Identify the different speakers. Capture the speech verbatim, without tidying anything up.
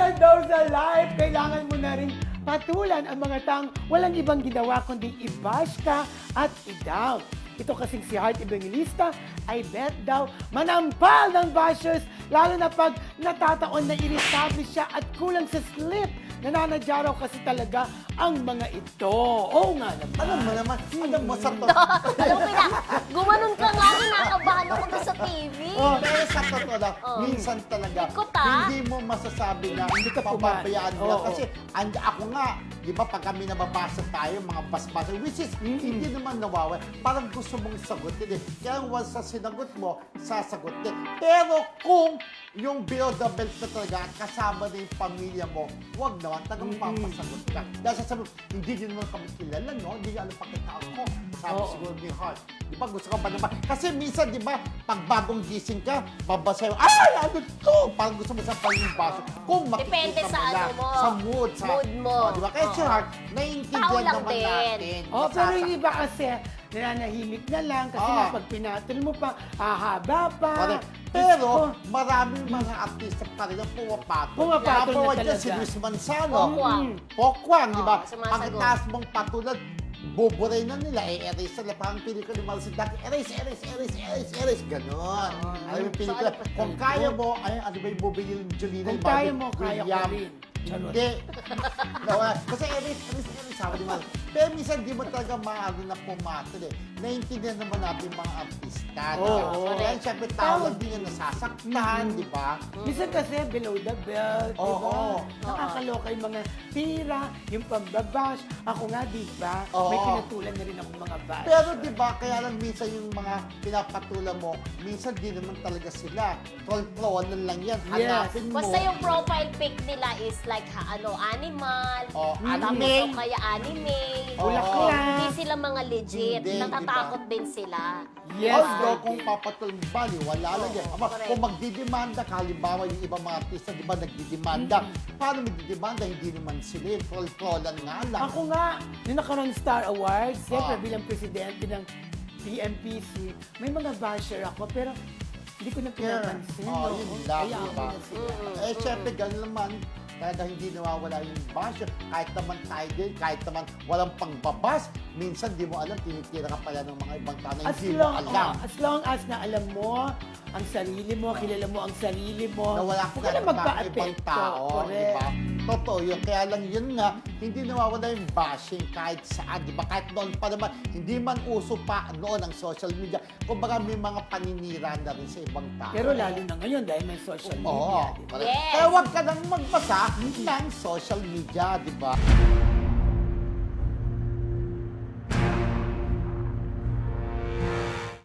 Speaker 1: Well, daw sa life, kailangan mo na rin patulan ang mga taong walang ibang ginawa kundi i-bash ka at i-down. Ito kasing si Heart Evangelista ay bet daw manampal ng bashers lalo na pag natataon na irritable siya at kulang sa sleep. Nananadya raw kasi talaga ang mga ito. Oo nga naman.
Speaker 2: Alam mo naman, alam mo sa to.
Speaker 3: Alam mo na, gumanon ka nga, kinakabahan ako doon sa T V.
Speaker 2: Oh, pero sa totoo lang,
Speaker 3: Oh.
Speaker 2: minsan talaga,
Speaker 3: Ikot, ah.
Speaker 2: hindi mo masasabi na
Speaker 1: Hindi ka
Speaker 2: pababayaan
Speaker 1: pumayag.
Speaker 2: nila.
Speaker 1: Oo.
Speaker 2: Kasi and, ako nga, di ba, pag kami nababasa tayo, mga basbasa, which is, hindi naman nawawala. Parang gusto mong sagutin eh. Kaya once sa sinagot mo, sasagutin. Pero kung yung below the belt na talaga at kasama na yung pamilya mo, huwag naman, tagang papasagot ka. Dahil sasabi, hindi nyo naman kami kilala, no? Hindi nyo alam pakitaan ko. Sabi
Speaker 1: Oo.
Speaker 2: siguro ni Heart. Di ba, gusto ka ba naman? Kasi minsan, di ba, pag bagong gising ka, babasa yung, ay, ano to? Parang gusto mo sa baso. Kung
Speaker 3: Depende
Speaker 2: makikita
Speaker 3: sa
Speaker 2: mo lang,
Speaker 3: ano mo.
Speaker 2: sa mood. Sa,
Speaker 3: Mood mo.
Speaker 2: Oh, di ba? Kaya si
Speaker 3: Oo.
Speaker 2: Heart,
Speaker 3: Tao
Speaker 2: naiintindihan
Speaker 3: lang
Speaker 2: naman
Speaker 3: din.
Speaker 2: natin.
Speaker 1: Oh, pero yung iba
Speaker 2: Masasaktan.
Speaker 1: kasi, nananahimik na lang kasi
Speaker 2: Oo.
Speaker 1: nga pag pinatol mo pa, hahaba pa.
Speaker 2: Correct. Pero,
Speaker 1: Diyos ko.
Speaker 2: maraming mga artista pa rin ang pumapatol.
Speaker 1: Pumapatol
Speaker 2: Number
Speaker 1: na
Speaker 2: one dyan,
Speaker 1: talaga.
Speaker 2: si Luis Manzano.
Speaker 3: Pokwang.
Speaker 1: Mm.
Speaker 2: Pokwang, di ba?
Speaker 3: Oo, sumasagot.
Speaker 2: Pagkataas mong patulan, buburay na nila, i-erase nila. Parang pelikula ni Marcel Daki, erase, erase, erase, erase, erase, ganon. Alam mo yung pelikula,
Speaker 3: So, ano pa-
Speaker 2: kung kaya mo, ay, ano ba yung movie ni Jolina?
Speaker 1: Kung
Speaker 2: Marvin
Speaker 1: kaya mo, kaya ko
Speaker 2: William?
Speaker 1: rin. Charot.
Speaker 2: Hindi. Nawala. Kasi erase, erase, erase, sabi ni Marcel. Pero minsan, di mo talaga maaari na pumatol eh. Naintindihan naman natin yung mga artista. di ba?
Speaker 1: Oo.
Speaker 2: Kaya siyempre, tao lang din yung nasasaktan, di ba?
Speaker 1: Minsan kasi below the belt, di
Speaker 2: Oo.
Speaker 1: ba? Nakakaloka yung mga tira, yung pambabash. Ako nga, di ba?
Speaker 2: Oo.
Speaker 1: May pinatulan na rin ako mga bash.
Speaker 2: Pero di ba, kaya lang minsan yung mga pinapatulan mo, minsan di naman talaga sila. Troll-trollan lang yan.
Speaker 1: Yes.
Speaker 2: Hanapin mo.
Speaker 3: Basta yung profile pic nila is like ha, ano, animal.
Speaker 2: Oh,
Speaker 3: Tapos
Speaker 2: anime.
Speaker 3: o kaya anime.
Speaker 1: Bulaklak.
Speaker 3: Hindi sila mga legit.
Speaker 2: Hindi,
Speaker 3: Natatakot din sila.
Speaker 1: Yes,
Speaker 2: Although,
Speaker 1: Daddy.
Speaker 2: kung papatulan mo, bali, wala lang yan. Aba,
Speaker 3: correct.
Speaker 2: kung magdidemanda, halimbawa yung ibang mga artista, di ba, nagdidemanda. Paano magdidemanda? Hindi naman sila. yung Troll-trollan nga lang.
Speaker 1: Ako nga, yung nakarang Star Awards, siyempre
Speaker 2: Ah.
Speaker 1: bilang presidente ng T M P C, may mga basher ako, pero hindi ko na pinapansin.
Speaker 2: Oh,
Speaker 1: no?
Speaker 2: yun lang,
Speaker 1: Kaya
Speaker 2: di ba?
Speaker 1: ako na sila.
Speaker 2: Eh, syempre, gano'n naman. Talaga hindi nawawala yung basher. Kahit naman tayo din, kahit naman walang pangbabas, minsan di mo alam, tinitira ka pala ng mga ibang tao na
Speaker 1: As
Speaker 2: hindi mo
Speaker 1: long,
Speaker 2: alam.
Speaker 1: oh, as long as na alam mo ang sarili mo, kilala mo ang sarili mo,
Speaker 2: Na wala
Speaker 1: huwag
Speaker 2: ka
Speaker 1: ka na
Speaker 2: na ibang
Speaker 1: magpa-apekto.
Speaker 2: tao, di
Speaker 1: Correct.
Speaker 2: ba? Totoo yun. Kaya lang yun nga, hindi nawawala yung bashing kahit saan, di ba? Kahit noon pa naman, hindi man uso pa noon ang social media. Kumbaga may mga paninira na rin sa ibang tao.
Speaker 1: Pero lalo na ngayon dahil may social
Speaker 2: Oo.
Speaker 1: media. di ba?
Speaker 2: correct.
Speaker 3: Yes.
Speaker 2: Kaya huwag ka nang magbasa ng social media, di ba?